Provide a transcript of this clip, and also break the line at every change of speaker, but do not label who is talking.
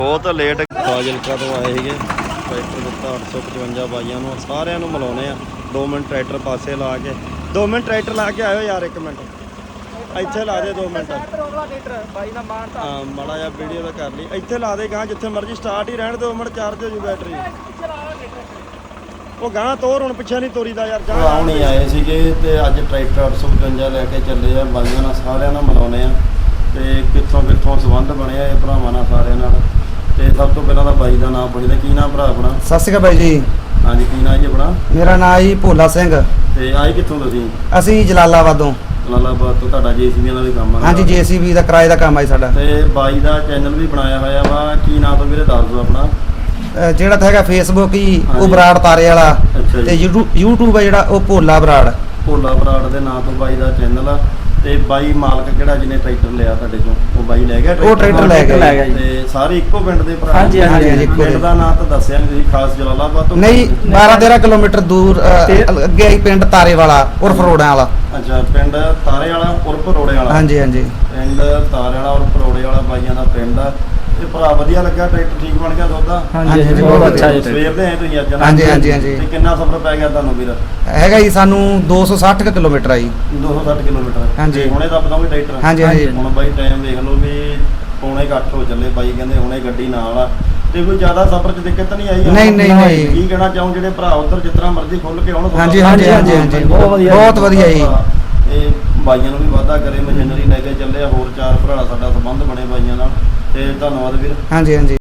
बहुत लेट फाजिलका तो आए थे ट्रैक्टर दिता 855 बाइया सारिਆਂ ਨੂੰ ਮਿਲਾਉਣੇ ਆ 2 मिनट ट्रैक्टर पासे ला के 2 मिनट ट्रैक्टर ला के आयो यार 1 मिनट ਇੱਥੇ ਲਾ ਦੇ 2 ਮਿੰਟ ਹਾਂ ਮਾੜਾ ਜਿਹਾ ਵੀਡੀਓ ਦਾ ਕਰ ਲਈ ਇੱਥੇ ਲਾ ਦੇ ਗਾਂ ਜਿੱਥੇ ਮਰਜ਼ੀ ਸਟਾਰਟ ਹੀ ਰਹਿਣ 2 ਮਿੰਟ ਚਾਰਜ ਹੋ ਜੂ ਬੈਟਰੀ ਉਹ ਗਾਂ ਤੋਰ ਹੁਣ ਪਿੱਛੇ ਨਹੀਂ ਤੋਰੀ ਦਾ ਯਾਰ ਜਾ ਆਉਣੀ ਆਏ ਸੀਗੇ ਤੇ ਅੱਜ ਟਰੈਕਟਰ 855 ਲੈ ਕੇ ਚੱਲੇ ਆ ਬਾਈਆਂ ਨਾਲ ਸਾਰਿਆਂ ਨਾਲ ਮਿਲਾਉਣੇ ਆ ਤੇ ਕਿੱਥੋਂ ਕਿੱਥੋਂ ਸੰਬੰਧ ਬਣੇ ਆ ਇਹ ਭਰਾਵਾਂ ਨਾਲ ਸਾਰਿਆਂ ਨਾਲ ਤੇ ਸਭ ਤੋਂ ਪਹਿਲਾਂ ਤਾਂ ਬਾਈ ਦਾ ਨਾਮ ਪੁੱਛਦੇ ਕੀ ਨਾਮ ਭਰਾ ਆਪਣਾ
ਸਤਿ ਸ਼੍ਰੀ ਅਕਾਲ ਬਾਈ ਜੀ
ਹਾਂਜੀ ਕੀ ਨਾਮ ਜੀ ਆਪਣਾ
ਮੇਰਾ ਨਾਮ ਜੀ ਭੋਲਾ ਸਿੰਘ
ਤੇ ਆਏ ਕਿੱਥੋਂ ਤੁਸੀਂ
ਅਸੀਂ ਜਲਾਲਾਬਾਦੋਂ
ਜਲਾਲਾਬਾਦ ਤੋਂ ਤੁਹਾਡਾ ਜੇਸੀਬੀ ਦਾ ਵੀ ਕੰਮ ਆ
ਹਾਂਜੀ ਜੇਸੀਬੀ ਦਾ ਕਿਰਾਏ ਦਾ ਕੰਮ ਆ ਸਾਡਾ
ਤੇ ਬਾਈ ਦਾ ਚੈਨਲ ਵੀ ਬਣਾਇਆ ਹੋਇਆ ਵਾ ਕੀ ਨਾਮ ਤੋਂ ਵੀਰੇ ਦੱਸ ਦਿਓ ਆਪਣਾ
ਜਿਹੜਾ ਤਾਂ ਹੈਗਾ ਫੇਸਬੁੱਕ ਹੀ ਉਹ ਬਰਾੜ ਤਾਰੇ ਵਾਲਾ ਤੇ YouTube ਆ ਜਿਹੜਾ ਉਹ ਭੋਲਾ ਬਰਾੜ
ਦੇ ਨਾਂ ਤੋਂ ਬਾਈ ਦਾ ਚੈਨਲ ਆ ਤੇ ਬਾਈ ਮਾਲਕ ਕਿਹੜਾ ਜਿਹਨੇ ਟਰੈਕਟਰ ਲਿਆ ਤੁਹਾਡੇ ਤੋਂ ਉਹ ਬਾਈ ਲੈ ਗਿਆ
ਉਹ ਟਰੈਕਟਰ ਲੈ ਗਿਆ
ਤੇ ਸਾਰੇ ਇੱਕੋ ਪਿੰਡ ਦੇ ਭਰਾ
ਹਾਂਜੀ
ਪਿੰਡ ਦਾ ਨਾਂ ਤਾਂ ਦੱਸਿਆ ਨਹੀਂ ਤੁਸੀਂ ਖਾਸ ਜਲਾਲਾਬਾਦ ਤੋਂ
ਨਹੀਂ 12-13 ਕਿਲੋਮੀਟਰ ਦੂਰ ਅੱਗੇ ਹੀ ਪਿੰਡ ਤਾਰੇ ਵਾਲਾ ਉਰਫ ਰੋੜਿਆਂ ਵਾਲਾ
ਅੱਛਾ ਪਿੰਡ ਤਾਰੇ ਵਾਲਾ ਉਰਫ ਰੋੜੇ ਵਾਲਾ
ਹਾਂਜੀ
ਪਿੰਡ ਤਾਰੇ ਵਾਲਾ ਉਰਫ ਰੋੜੇ ਵਾਲਾ ਬਾਈਆਂ ਦਾ ਪਿੰਡ ਆ ਤੇ ਭਰਾ ਵਧੀਆ ਲੱਗਾ ਟਰੈਕਟਰ ਠੀਕ ਬਣ ਗਿਆ ਦੋਦਾ
ਹਾਂਜੀ ਬਹੁਤ ਅੱਛਾ ਜੀ
ਸਵੇਰ ਦੇ ਆਏ ਤੁਸੀਂ ਅੱਜ
ਹਾਂਜੀ
ਤੇ ਕਿੰਨਾ ਸਫ਼ਰ ਪੈ ਗਿਆ ਤੁਹਾਨੂੰ ਵੀਰ
ਹੈਗਾ ਜੀ ਸਾਨੂੰ 260 ਕਿਲੋਮੀਟਰ ਆ ਜੀ
260 ਕਿਲੋਮੀਟਰ
ਹਾਂਜੀ
ਹੁਣੇ ਦੱਬ ਦੋਗੇ ਟਰੈਕਟਰ
ਹਾਂਜੀ
ਹੁਣ ਬਾਈ ਟਾਈਮ ਦੇਖ ਲਓ ਵੀ ਪੌਣੇ 8 ਹੋ ਚੱਲੇ ਬਾਈ ਕਹਿੰਦੇ ਹੁਣੇ ਗੱਡੀ ਨਾਲ ਆ ਤੇ ਕੋਈ ਜ਼ਿਆਦਾ ਸਫ਼ਰ 'ਚ ਦਿੱਕਤ ਨਹੀਂ ਆਈ
ਨਹੀਂ
ਕੀ ਕਹਿਣਾ ਚਾਹੂੰ ਜਿਹੜੇ ਭਰਾ ਉਧਰ ਜਿਸ ਤਰ੍ਹਾਂ ਮਰਜ਼ੀ ਖੁੱਲ ਕੇ ਆਉਣ
ਹਾਂਜੀ ਬਹੁਤ ਵਧੀਆ ਜੀ
ਇਹ ਬਾਈਆਂ ਨੂੰ ਵੀ ਵਾਅਦਾ ਕਰੇ ਮਸ਼ੀਨਰੀ ਲੈ ਕੇ ਚੱਲੇ ਆ ਹੋਰ 4 ਭਰਾ ਸਾਡਾ ਸੰਬੰਧ ਬਣੇ ਬਾਈਆਂ ਨਾਲ ਤੇ ਧੰਨਵਾਦ ਵੀਰ
ਹਾਂਜੀ